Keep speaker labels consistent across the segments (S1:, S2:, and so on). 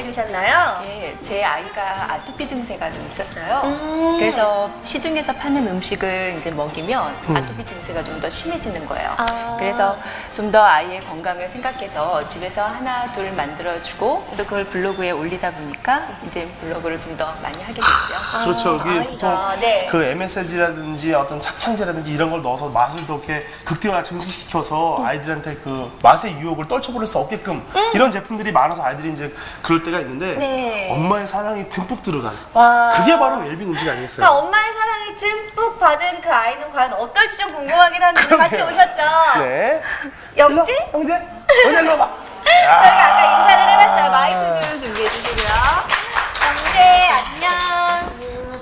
S1: 되셨나요?
S2: 예, 제 아이가 아토피 증세가 좀 있었어요. 그래서 시중에서 파는 음식을 이제 먹이면 아토피 증세가 좀 더 심해지는 거예요. 그래서 좀 더 아이의 건강을 생각해서 집에서 하나 둘 만들어주고 또 그걸 블로그에 올리다 보니까 이제 블로그를 좀 더 많이 하게 됐죠.
S3: 그렇죠. 이게
S1: 아이가,
S3: 보통
S1: 네.
S3: 그 MSG라든지 어떤 착향제라든지 이런 걸 넣어서 맛을 더 이렇게 극대화 증식시켜서 아이들한테 그 맛의 유혹을 떨쳐버릴 수 없게끔 이런 제품들이 많아서 아이들이 이제 그럴 때가 있는데
S1: 네.
S3: 엄마의 사랑이 듬뿍 들어간
S1: 와.
S3: 그게 바로 웰빙 음식 아니겠어요?
S1: 그러니까 엄마의 사랑이 듬뿍 받은 그 아이는 과연 어떨지 좀 궁금하긴 한데 같이 오셨죠?
S3: 네.
S1: 영재?
S3: 일로 와, 영재? 영재 일로 와봐.
S1: 저희가 아까 인사를 해봤어요. 마이크 좀 준비해 주시고요. 영재 안녕.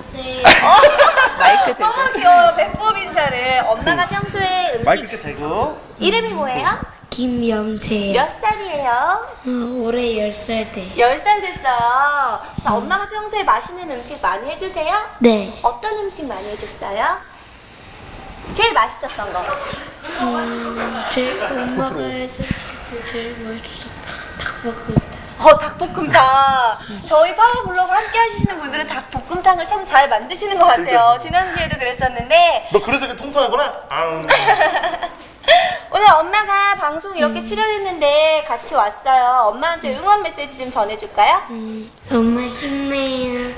S2: 마이크 들고.
S1: 너무 귀여워요. 배꼽 인사를. 엄마가 평소에 음식
S3: 마이크 이렇게 대고.
S1: 이름이 뭐예요?
S4: 김영채.
S1: 몇 살이에요?
S4: 올해 10살 돼.
S1: 10살 됐어요. 자, 엄마가 평소에 맛있는 음식 많이 해주세요?
S4: 네.
S1: 어떤 음식 많이 해줬어요? 제일 맛있었던 거.
S4: 제 엄마가 해줄 때 제일 맛있었던 닭볶음탕.
S1: 닭볶음탕. 저희 파워블로그 함께 하시는 분들은 닭볶음탕을 참 잘 만드시는 것 같아요. 지난주에도 그랬었는데
S3: 너 그래서 이렇게 통통하구나?
S1: 오늘 엄마가 방송 이렇게 출연했는데 같이 왔어요. 엄마한테 응원 메시지 좀 전해줄까요?
S4: 엄마 힘내요.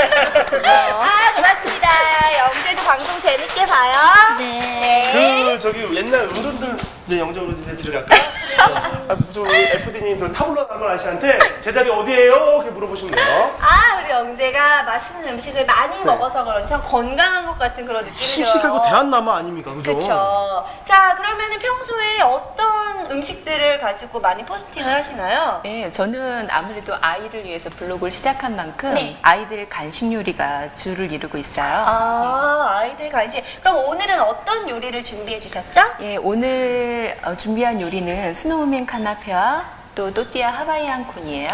S1: 고맙습니다. 영재도 방송 재밌게 봐요.
S4: 네.
S3: 그 저기 옛날 어른들 이제 영재 어르신에 들어갈까? 저 FD님 저 타블로 남은 아저씨한테 제자리 어디예요? 이렇게 물어보시면 돼요.
S1: 우리 영재가 맛있는 음식을 많이 먹어서 그런지 참 건강한 것 같은 그런 느낌이 들어요.
S3: 씩씩하고 대한남아 아닙니까? 그죠?
S1: 그렇죠. 자, 그러면은 평소에 어떤 음식들을 가지고 많이 포스팅을 하시나요?
S2: 네, 저는 아무래도 아이를 위해서 블로그를 시작한 만큼
S1: 네.
S2: 아이들 간식 요리가 주를 이루고 있어요.
S1: 아이들 간식. 그럼 오늘은 어떤 요리를 준비해 주셨죠?
S2: 예, 오늘 준비한 요리는 스노우맨 카나페와 또 또띠아 하와이안 콘이에요.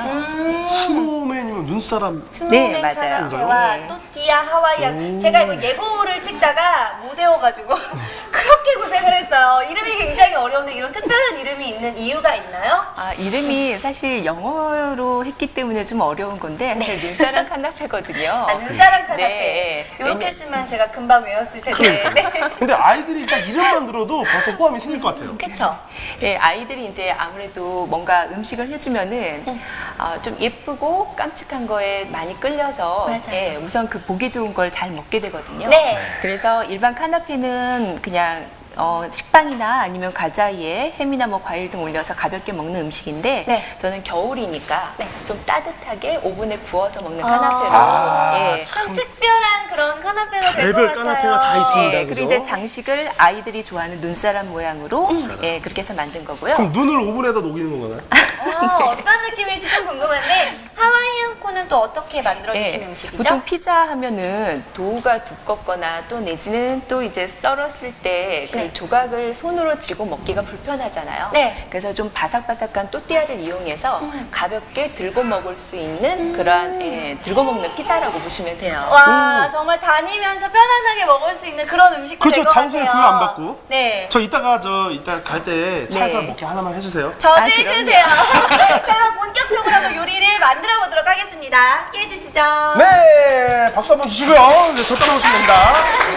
S3: 스노우맨이면 눈사람.
S1: 스노우맨
S2: 네, 맞아요.
S1: 카나페와
S2: 네.
S1: 또띠아 하와이안. 제가 이거 예고를 찍다가 못 외워가지고 그렇게 고생을 했어요. 이름이 굉장히 어려운데 이런 특별한 이름이 있는 이유가 있나요?
S2: 이름이 사실 영어로 했기 때문에 좀 어려운 건데 사실 눈사람 카나페거든요.
S1: 눈사람 카나페.
S2: 네.
S1: 이렇게 쓰면 제가 금방 외웠을 텐데. 네.
S3: 근데 아이들이 일단 이름만 들어도 벌써 호감이 생길 것 같아요.
S1: 그쵸?
S2: 예, 아이들이 이제 아무래도 뭔가 음식을 해주면은 좀 예쁘고 깜찍한 거에 많이 끌려서
S1: 맞아요.
S2: 예, 우선 그 보기 좋은 걸 잘 먹게 되거든요.
S1: 네.
S2: 그래서 일반 카나페는 그냥 식빵이나 아니면 과자 위에 햄이나 뭐 과일 등 올려서 가볍게 먹는 음식인데
S1: 네.
S2: 저는 겨울이니까 좀 따뜻하게 오븐에 구워서 먹는
S1: 아.
S2: 카나페로 예.
S1: 참 특별한 그런 카나페가 될 것
S3: 별별
S1: 같아요.
S3: 카나페가 다 있습니다.
S2: 예,
S3: 그죠?
S2: 그리고 이제 장식을 아이들이 좋아하는 눈사람 모양으로 예, 그렇게 해서 만든 거고요.
S3: 그럼 눈을 오븐에다 녹이는 건가요?
S1: 어떤 느낌일지 좀 궁금한데 하와이안 콘은 또 어떻게 만들어주시는
S2: 예,
S1: 음식이죠?
S2: 보통 피자 하면은 도우가 두껍거나 또 내지는 또 이제 썰었을 때 그
S1: 네.
S2: 조각을 손으로 쥐고 먹기가 불편하잖아요.
S1: 네.
S2: 그래서 좀 바삭바삭한 또띠아를 이용해서 가볍게 들고 먹을 수 있는 그러한 예, 들고 먹는 피자라고 보시면 돼요.
S1: 와 정말 다니면서 편안하게 먹을 수 있는 그런 음식도
S3: 그렇죠.
S1: 될것
S3: 장소에
S1: 같아요.
S3: 구애 안 받고.
S1: 네.
S3: 저 이따 갈 때 차에서
S2: 네.
S3: 먹게 하나만 해주세요.
S1: 저도
S2: 그럼요.
S1: 해주세요. 그럼 본격적으로 한번 요리를 만들어 보도록 하겠습니다. 함께 해주시죠.
S3: 네, 박수 한번 주시고요. 이제 저 따라오시면 됩니다.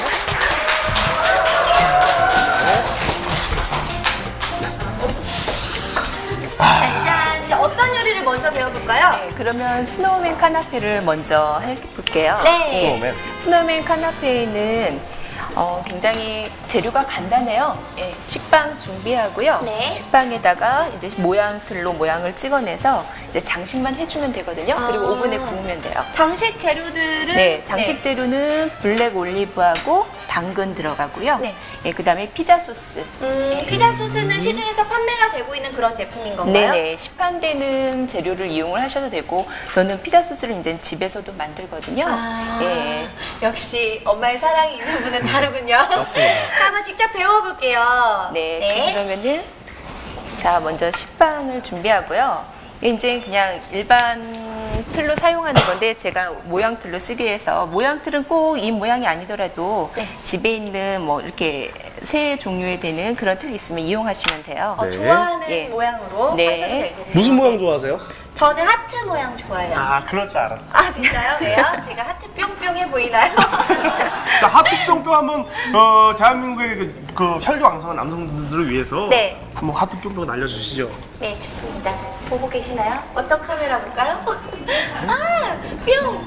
S1: 자, 이제 어떤 요리를 먼저 배워볼까요?
S2: 네, 그러면 스노우맨 카나페를 먼저 해볼게요.
S1: 네.
S3: 스노우맨.
S2: 스노우맨 카나페는 굉장히 재료가 간단해요. 예, 식빵 준비하고요.
S1: 네.
S2: 식빵에다가 이제 모양틀로 모양을 찍어내서 이제 장식만 해주면 되거든요. 그리고 오븐에 구우면 돼요.
S1: 장식 재료들은
S2: 네, 장식 재료는 블랙 올리브하고 당근 들어가고요.
S1: 네.
S2: 예, 그다음에 피자 소스.
S1: 피자 소스는 시중에서 판매가 되고 있는 그런 제품인 건가요?
S2: 네네, 시판되는 재료를 이용을 하셔도 되고 저는 피자 소스를 이제 집에서도 만들거든요. 예.
S1: 역시 엄마의 사랑이 있는 분은 다르군요.
S3: 맞습니다.
S1: 한번 직접 배워볼게요.
S2: 네, 그러면은 자 먼저 식빵을 준비하고요. 이제 그냥 일반 틀로 사용하는 건데 제가 모양 틀로 쓰기 위해서 모양 틀은 꼭 이 모양이 아니더라도
S1: 네.
S2: 집에 있는 뭐 이렇게 쇠 종류에 되는 그런 틀이 있으면 이용하시면 돼요.
S3: 네.
S1: 좋아하는
S2: 예.
S1: 모양으로
S2: 네.
S1: 하셔도 되겠네요.
S3: 무슨 모양 좋아하세요?
S1: 저는 하트 모양 좋아해요.
S3: 아, 그럴 줄 알았어.
S1: 아, 진짜요? 왜요? 제가 하트 뿅뿅해 보이나요?
S3: 자, 하트 뿅뿅 한번 대한민국의 그 혈기왕성한 남성분들을 위해서
S1: 네.
S3: 한번 하트 뿅뿅 날려주시죠.
S1: 네, 좋습니다. 보고 계시나요? 어떤 카메라 볼까요? 아, 뿅뿅!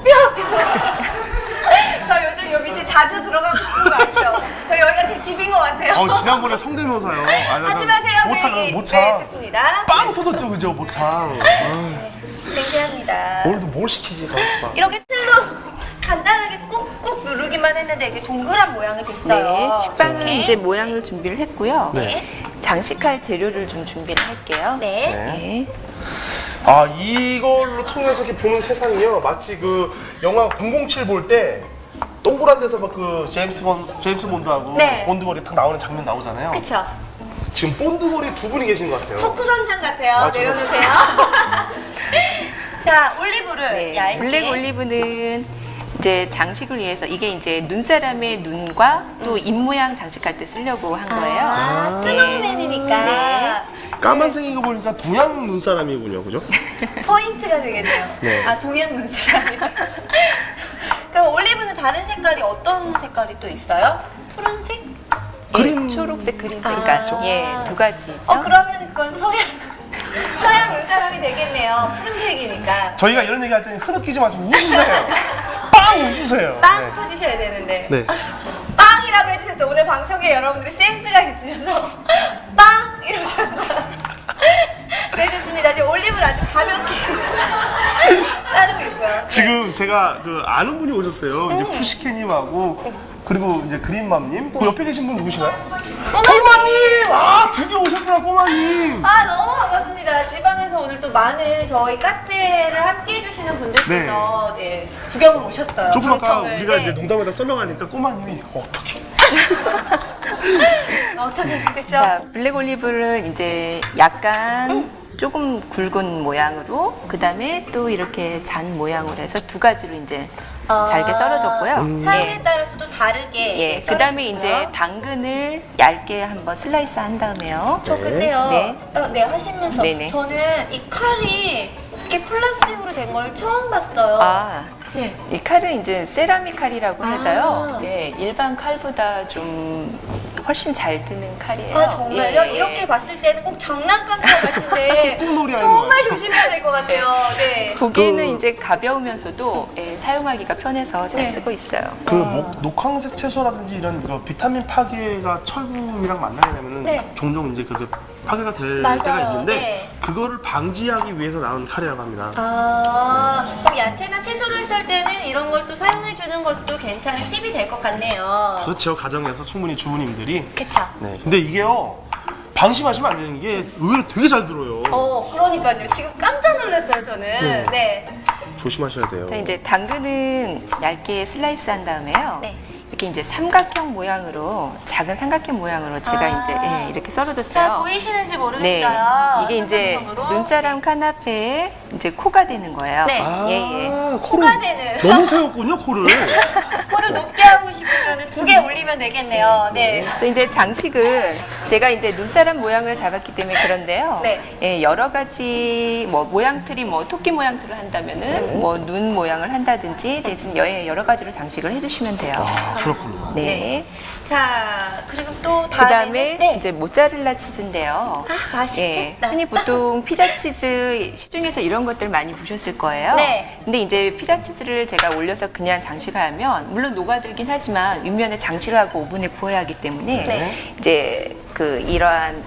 S1: 저 요즘 요 밑에 자주 들어가고 싶은 거 아시죠? 저 여기가 제 집인 것 같아요.
S3: 지난번에 성대모사요.
S1: 하지 마세요, 그
S3: 모창,
S1: 얘기.
S3: 모창.
S1: 네, 좋습니다.
S3: 빵 터졌죠, 그죠, 모창.
S1: 쟁쟁합니다.
S3: 오늘도 뭘 시키지, 가만있어 봐.
S1: 이렇게 틀로 간단하게 꾹꾹 누르기만 했는데 이게 동그란 모양이 됐어요.
S2: 네, 식빵은
S1: 이렇게.
S2: 이제 모양을 준비를 했고요.
S3: 네.
S2: 장식할 재료를 좀 준비를 할게요.
S1: 네.
S2: 네.
S3: 아, 이걸로 통해서 이렇게 보는 세상이요. 마치 그 영화 007 볼 때 동그란 데서 막 그 제임스 본드하고
S1: 네.
S3: 본드거리 탁 나오는 장면 나오잖아요.
S1: 그쵸?
S3: 지금 본드거리 두 분이 계신 것 같아요.
S1: 후쿠선장 같아요.
S3: 아,
S1: 내려놓으세요. 자, 올리브를
S2: 네,
S1: 얇게.
S2: 블랙 올리브는 이제 장식을 위해서 이게 이제 눈사람의 눈과 또 입 모양 장식할 때 쓰려고 한 거예요.
S1: 아,
S2: 네.
S1: 스노우맨이니까
S2: 네.
S3: 까만색인 거 보니까 동양 눈사람이군요, 그죠?
S1: 포인트가 되겠네요.
S3: 네.
S1: 아, 동양 눈사람이다. 그럼 올리브는 다른 색깔이 어떤 색깔이 또 있어요? 푸른색?
S3: 그린
S2: 초록색 그린
S1: 아.
S2: 색깔. 예, 두 가지죠.
S1: 그러면 그건 서양 눈사람이 되겠네요. 푸른색이니까.
S3: 저희가 이런 얘기 할 때는 흐느끼지 마시고 웃으세요. 빵 웃으세요.
S1: 빵
S3: 네.
S1: 터지셔야 되는데.
S3: 네.
S1: 빵이라고 해주셔서 오늘 방송에 여러분들이 센스가 있으셔서 빵! 이러셔서. 네, 좋습니다. 지금 올리브를 아주 가볍게 자르고 있고요.
S3: 지금 제가 그 아는 분이 오셨어요. 이제 푸시케님하고 그리고 이제 그린맘님. 그 옆에 계신 분 누구신가요? 꼬마님! 아, 드디어 오셨구나, 꼬마님.
S1: 아, 너무 반갑습니다. 지방에서 오늘 또 많은 저희 카페를 함께 해주시는 분들께서 네, 구경을 오셨어요.
S3: 조금 아까
S1: 방청을.
S3: 우리가
S1: 네.
S3: 이제 농담에다 설명하니까 꼬마님이 어떻게?
S1: 어떻게 그렇죠?
S2: 자, 블랙 올리브를 이제 약간 조금 굵은 모양으로 그다음에 또 이렇게 잔 모양으로 해서 두 가지로 이제 잘게 썰어줬고요.
S1: 사용에
S2: 예.
S1: 따라서도 다르게.
S2: 예,
S1: 네,
S2: 그다음에
S1: 썰어줬고요.
S2: 이제 당근을 얇게 한번 슬라이스 한 다음에요.
S1: 저 근데요.
S2: 네.
S1: 네, 하시면서
S2: 네네.
S1: 저는 이 칼이 이렇게 플라스틱으로 된 걸 처음 봤어요.
S2: 아,
S1: 네.
S2: 이 칼은 이제 세라믹 칼이라고 해서요.
S1: 아.
S2: 네, 일반 칼보다 좀 훨씬 잘 드는 칼이에요.
S1: 아, 정말요?
S2: 예.
S1: 이렇게 봤을 때는 꼭 장난감 같은데
S3: 소꿉놀이 하는 것
S1: 정말
S3: 같아요.
S1: 조심해야 될 것 같아요. 네.
S2: 보기에는 이제 가벼우면서도 예, 사용하기가 편해서 잘
S1: 네.
S2: 쓰고 있어요.
S3: 그 녹황색 채소라든지 이런 그 비타민 파괴가 철분이랑 만나게 되면은
S1: 네.
S3: 종종 이제 그 파괴가 될
S1: 맞아요.
S3: 때가 있는데
S1: 네.
S3: 그거를 방지하기 위해서 나온 칼이라고 합니다.
S1: 아, 그럼 야채나 채소를 썰 때는 이런 걸 또 사용해 주는 것도 괜찮은 팁이 될 것 같네요.
S3: 그렇죠. 가정에서 충분히 주부님들이.
S1: 그쵸?
S3: 네. 근데 이게요. 방심하시면 안 되는 게 의외로 되게 잘 들어요.
S1: 그러니까요. 지금 깜짝 놀랐어요, 저는. 네.
S3: 조심하셔야 돼요.
S2: 자, 이제 당근은 얇게 슬라이스 한 다음에요.
S1: 네.
S2: 이렇게 이제 삼각형 모양으로, 작은 삼각형 모양으로 제가
S1: 아.
S2: 이제 예, 이렇게
S1: 잘
S2: 썰어줬어요.
S1: 보이시는지
S2: 네.
S1: 모르겠어요.
S2: 이게 이제
S1: 삼각형으로.
S2: 눈사람 카나페에 이제 코가 되는 거예요.
S1: 네.
S2: 예, 예.
S1: 코가 되는.
S3: 너무 세웠군요, 코를.
S1: 코를 높게 하고 싶으면 두 개 올리면 되겠네요. 네.
S2: 또 이제 장식을 제가 이제 눈사람 모양을 잡았기 때문에 그런데요.
S1: 네.
S2: 예, 여러 가지 뭐 모양틀이 뭐 토끼 모양틀을 한다면은 뭐 눈 모양을 한다든지 내지는 여러 가지로 장식을 해주시면 돼요.
S3: 아, 그렇군요.
S2: 네.
S1: 자, 그리고 또
S2: 그
S1: 다음에는
S2: 다음에
S1: 네.
S2: 이제 모짜렐라 치즈인데요.
S1: 아, 맛있겠다.
S2: 예, 흔히 보통 피자 치즈 시중에서 이런 것들 많이 보셨을 거예요.
S1: 네.
S2: 근데 이제 피자 치즈를 제가 올려서 그냥 장식하면 물론 녹아들긴 하지만 윗면에 장식을 하고 오븐에 구워야 하기 때문에
S1: 네.
S2: 이제 그 이러한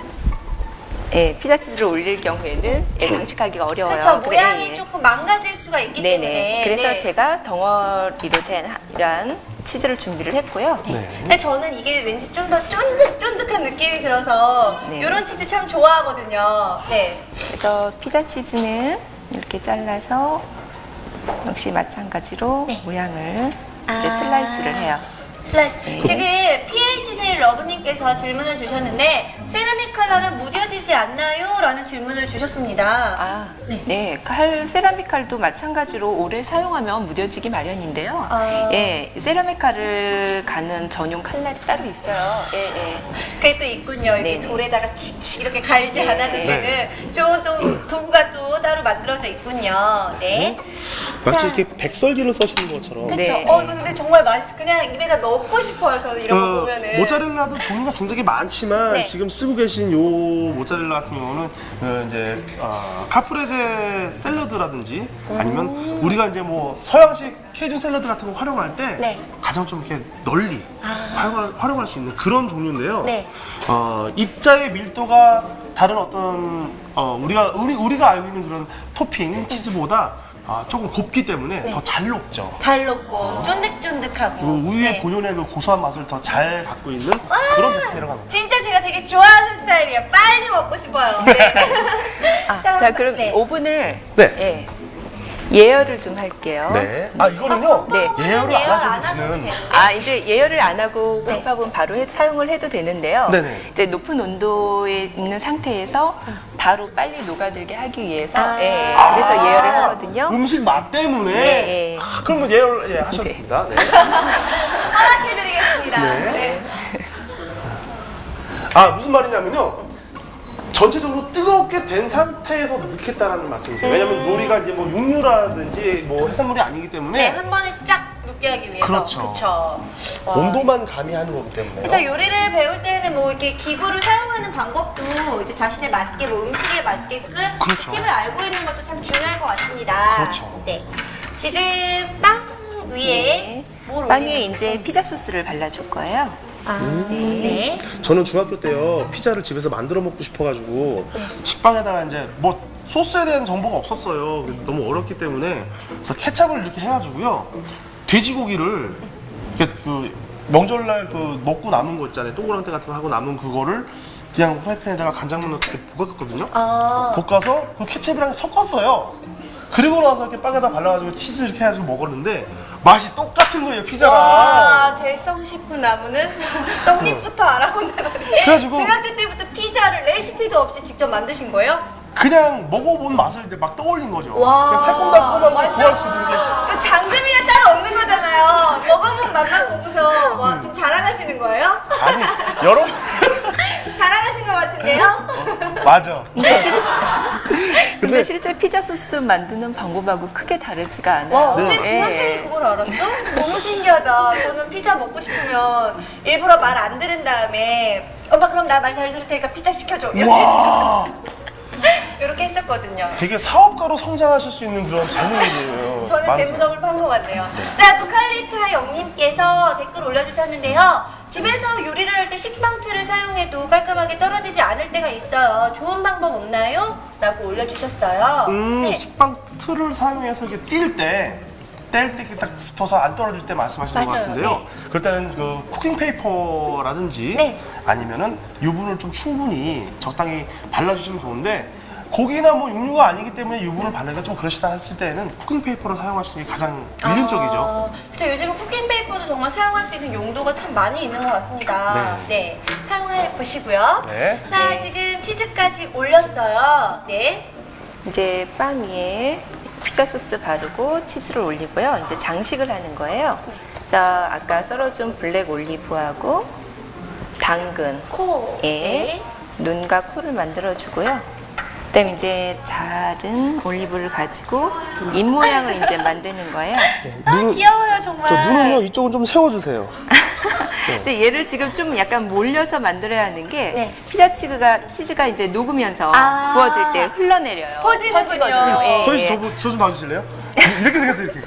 S2: 예, 피자 치즈를 올릴 경우에는 예, 장식하기가 어려워요.
S1: 그렇죠.
S2: 그래,
S1: 모양이
S2: 예.
S1: 조금 망가질 수가 있기
S2: 네네.
S1: 때문에.
S2: 그래서
S1: 네.
S2: 제가 덩어리로 된 이러한 치즈를 준비를 했고요.
S3: 네.
S1: 근데 저는 이게 왠지 좀 더 쫀득쫀득한 느낌이 들어서
S2: 네.
S1: 이런 치즈 참 좋아하거든요. 네.
S2: 그래서 피자 치즈는 이렇게 잘라서 역시 마찬가지로
S1: 네.
S2: 모양을
S1: 아.
S2: 이제 슬라이스를 해요.
S1: 슬라이스.
S2: 네.
S1: 지금 PH 세일 러브님께서 질문을 주셨는데 세라믹 칼날은 무뎌지지 않나요? 라는 질문을 주셨습니다.
S2: 아,
S1: 네.
S2: 네. 세라믹 칼도 마찬가지로 오래 사용하면 무뎌지기 마련인데요.
S1: 아.
S2: 예, 세라믹 칼을 가는 전용 칼날이 따로 있어요. 예, 예.
S1: 그게 또 있군요. 이렇게
S2: 네네.
S1: 돌에다가 칙칙 이렇게 갈지
S2: 네.
S1: 않아도 되는 좋은 또 도구가 또 따로 만들어져 있군요. 네.
S3: 마치
S1: 자,
S3: 이렇게 백설기를 써시는 것처럼.
S1: 그쵸.
S2: 네.
S1: 이거 근데 정말 맛있어. 그냥 입에다 넣고 싶어요. 저는 이런 거 보면은.
S3: 모짜렐라도 종류가 굉장히 많지만
S1: 네.
S3: 지금 쓰고 계신 요 모짜렐라 같은 경우는 이제 카프레제 샐러드라든지 아니면 우리가 이제 뭐 서양식 케이준 샐러드 같은 거 활용할 때
S1: 네.
S3: 가장 좀 이렇게 널리 활용할 수 있는 그런 종류인데요.
S1: 네.
S3: 입자의 밀도가 다른 어떤 우리가 알고 있는 그런 토핑 치즈보다 조금 곱기 때문에 더 잘 녹죠.
S1: 잘 녹고 쫀득쫀득하고.
S3: 그리고 우유의
S1: 네.
S3: 본연의 그 고소한 맛을 더 잘 갖고 있는 그런 제품이라고 합니다.
S1: 진짜 제가 되게 좋아하는 스타일이에요. 빨리 먹고 싶어요. 네.
S2: 자, 그럼
S1: 네.
S2: 오븐을
S3: 네.
S2: 예, 예열을 좀 할게요.
S3: 네. 이거는요.
S2: 네.
S3: 예열을 안 하셔도 되는.
S2: 이제 예열을 안 하고
S1: 네.
S2: 팝팝은 바로 사용을 해도 되는데요.
S3: 네네.
S2: 이제 높은 온도에 있는 상태에서 바로 빨리 녹아들게 하기 위해서 예, 그래서 예열을 하거든요.
S3: 음식 맛 때문에.
S2: 네.
S3: 그러면 예열 하셔도
S2: 네.
S3: 됩니다. 네.
S1: 허락해드리겠습니다.
S3: 네.
S1: 네.
S3: 무슨 말이냐면요. 전체적으로 뜨겁게 된 상태에서 넣겠다라는 말씀이세요. 왜냐면 요리가 이제 뭐 육류라든지 뭐 해산물이 아니기 때문에
S1: 네, 한 번에 쫙 녹게 하기 위해서.
S3: 그렇죠.
S1: 그쵸. 와.
S3: 온도만 가미하는 거기 때문에.
S1: 그래서 요리를 배울 때는 뭐 이렇게 기구를 사용하는 방법도 이제 자신에 맞게 뭐 음식에 맞게끔
S3: 그렇죠.
S1: 팁을 알고 있는 것도 참 중요할 것 같습니다.
S3: 그렇죠.
S1: 네. 지금 빵 위에
S2: 네.
S1: 뭘
S2: 빵에
S1: 올리는
S2: 이제
S1: 거죠?
S2: 피자 소스를 발라줄 거예요.
S1: 네.
S3: 저는 중학교 때요 피자를 집에서 만들어 먹고 싶어가지고 식빵에다가 이제 뭐 소스에 대한 정보가 없었어요. 너무 어렵기 때문에 그래서 케찹을 이렇게 해가지고요 돼지고기를 이렇게 그 명절날 그 먹고 남은 거 있잖아요. 동그랑땡 같은 거 하고 남은 그거를 그냥 후라이팬에다가 간장만 넣고 이렇게 볶았거든요. 볶아서 그 케찹이랑 섞었어요. 그리고 나서 이렇게 빵에다 발라가지고 치즈 이렇게 해가지고 먹었는데 맛이 똑같은 거예요 피자랑.
S1: 와, 대성식품 나무는 떡잎부터 알아본다더니
S3: 그래가지고-
S1: 중학교 때부터 피자를 레시피도 없이 직접 만드신 거예요?
S3: 그냥 먹어본 맛을 이제 막 떠올린 거죠.
S1: 와.
S3: 그냥 새콤달콤한 걸
S1: 완전-
S3: 구할 수 있는 게.
S1: 그 장금이가 따로 없는 거잖아요. 먹어본 맛만 보고서 와, 지금 자랑하시는 거예요?
S3: 아니 여러분
S1: 자랑하신 것 같은데요?
S3: 맞아.
S2: 근데 실제 피자 소스 만드는 방법하고 크게 다르지가 않아요.
S1: 와, 어째
S2: 예.
S1: 중학생이 그걸 알았죠? 너무 신기하다. 저는 피자 먹고 싶으면 일부러 말 안 들은 다음에 엄마 그럼 나 말 잘 들을 테니까 피자 시켜줘.
S3: 와,
S1: 이렇게 했었거든요.
S3: 되게 사업가로 성장하실 수 있는 그런 재능이에요.
S1: 저는
S3: 많으세요.
S1: 재무덤을 판 것 같네요. 자, 또 칼리타 영님께서 댓글 올려주셨는데요. 집에서 요리를 할 때 식빵틀을 사용해도 깔끔하게 떨어지지 않을 때가 있어요. 좋은 방법 없나요? 라고 올려주셨어요. 네.
S3: 식빵 틀을 사용해서 이렇게 뗄 때 이렇게 딱 붙어서 안 떨어질 때 말씀하시는 것
S1: 맞아요.
S3: 같은데요.
S1: 네.
S3: 그럴 때는 그 쿠킹 페이퍼라든지
S1: 네.
S3: 아니면은 유분을 좀 충분히 적당히 발라주시면 좋은데 고기나 뭐 육류가 아니기 때문에 유분을 바르기가 좀 그러시다 했을 때는 쿠킹 페이퍼를 사용하시는 게 가장 일륜적이죠.
S1: 그래서 요즘 쿠킹 페이퍼도 정말 사용할 수 있는 용도가 참 많이 있는 것 같습니다. 네. 사용해 보시고요.
S3: 네.
S1: 자,
S2: 네.
S1: 지금 치즈까지 올렸어요. 네.
S2: 이제 빵 위에 피자 소스 바르고 치즈를 올리고요. 이제 장식을 하는 거예요. 그래서 아까 썰어준 블랙 올리브하고 당근,
S1: 코.
S2: 예, 눈과 코를 만들어주고요. 그다음에 이제 자른 올리브를 가지고 입 모양을 이제 만드는 거예요.
S1: 아, 귀여워요, 정말.
S3: 저 눈은요 이쪽은 좀 세워주세요.
S2: 근데 얘를 지금 좀 약간 몰려서 만들어야 하는 게
S1: 네.
S2: 피자 치즈가 이제 녹으면서
S1: 아.
S2: 구워질 때 흘러내려요.
S1: 퍼지는군요.
S2: 퍼지거든요. 예,
S3: 서희 씨
S2: 예.
S3: 저 좀 봐주실래요? 이렇게 생겼어요 이렇게.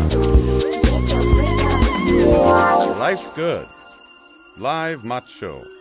S5: Life's good. Live Macho.